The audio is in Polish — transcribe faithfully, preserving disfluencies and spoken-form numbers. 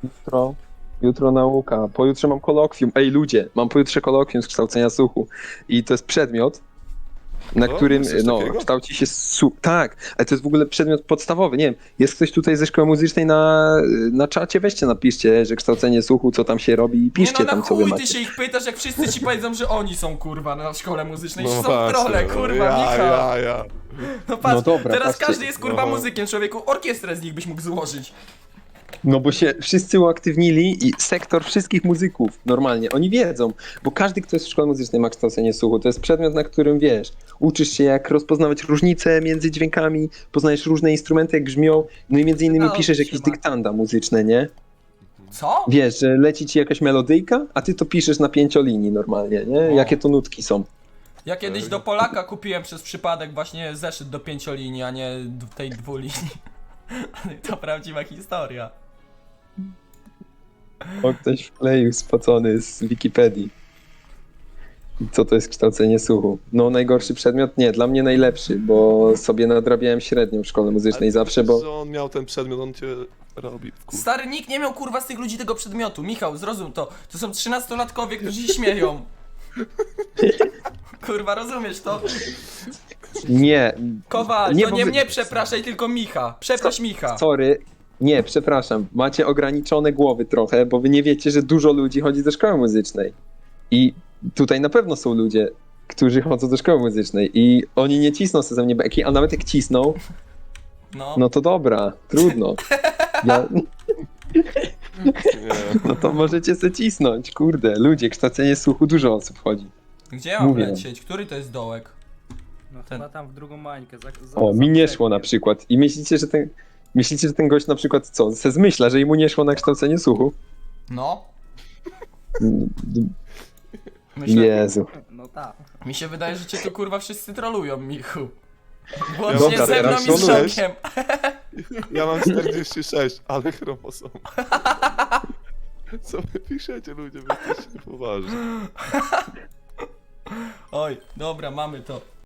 Jutro, jutro nauka, pojutrze mam kolokwium. Ej ludzie, mam pojutrze kolokwium z kształcenia słuchu. I to jest przedmiot, na O, którym, jest coś no, takiego? kształci się słuch. Tak, ale to jest w ogóle przedmiot podstawowy. Nie wiem, jest ktoś tutaj ze szkoły muzycznej na, na czacie? Weźcie, napiszcie, że kształcenie słuchu, co tam się robi i Nie piszcie no, na tam, co wy chuj ty macie. się ich pytasz, jak wszyscy ci powiedzą, że oni są kurwa na szkole muzycznej. No No są właśnie, trole, no, kurwa, ja, Michał. ja, ja. No patrz, No dobra, teraz patrzcie. każdy jest kurwa No. muzykiem, człowieku. Orkiestrę z nich byś mógł złożyć. No bo się wszyscy uaktywnili i sektor wszystkich muzyków, normalnie, oni wiedzą, bo każdy, kto jest w szkole muzycznej ma kształcenie słuchu, to jest przedmiot, na którym wiesz, uczysz się jak rozpoznawać różnice między dźwiękami, poznajesz różne instrumenty, jak brzmią, no i między innymi No, piszesz jakieś trzyma. dyktanda muzyczne, nie? Co? Wiesz, że leci ci jakaś melodyjka, a ty to piszesz na pięciolinii normalnie, nie? O. Jakie to nutki są. Ja kiedyś do Polaka kupiłem przez przypadek właśnie zeszyt do pięciolinii, a nie d- tej dwulinii. To prawdziwa historia. O, ktoś wkleił spocony z Wikipedii. Co to jest kształcenie słuchu? No najgorszy przedmiot? Nie, dla mnie najlepszy, bo sobie nadrabiałem średnią w szkole muzycznej Ale zawsze, myślisz, bo... że on miał ten przedmiot, on cię robi w kurwa. Stary, nikt nie miał kurwa z tych ludzi tego przedmiotu. Michał, zrozum to. To są trzynastolatkowie, którzy się śmieją. Kurwa, rozumiesz to? Nie, Kowal, Nie, to bo nie wy- mnie przepraszaj, tylko Micha. Przeproś Micha. sorry. Nie, przepraszam. Macie ograniczone głowy trochę, bo wy nie wiecie, że dużo ludzi chodzi do szkoły muzycznej. I tutaj na pewno są ludzie, którzy chodzą do szkoły muzycznej i oni nie cisną sobie ze mnie beki, a nawet jak cisną, No. no to dobra, trudno. Ja, Nie. no to możecie se cisnąć, kurde. Ludzie, kształcenie słuchu, dużo osób chodzi. Gdzie ja mam Mówię. lecieć? Który to jest dołek? No Ten- chyba tam w drugą mańkę. Za, za, O, za mi nie brzegiem. szło na przykład. I myślicie, że ten, myślicie, że ten gość na przykład co, se zmyśla, że mu nie szło na kształcenie słuchu? No. Mm, Myślę, Jezu. No tak. mi się wydaje, że cię tu kurwa wszyscy trolują, Michu. Ja Łącznie dobra, ze mną teraz i z trolujesz? Szokiem. Ja mam czterdzieści sześć, ale chromosom. Co wy piszecie ludzie, wy jesteście poważni. Oj, dobra, mamy to.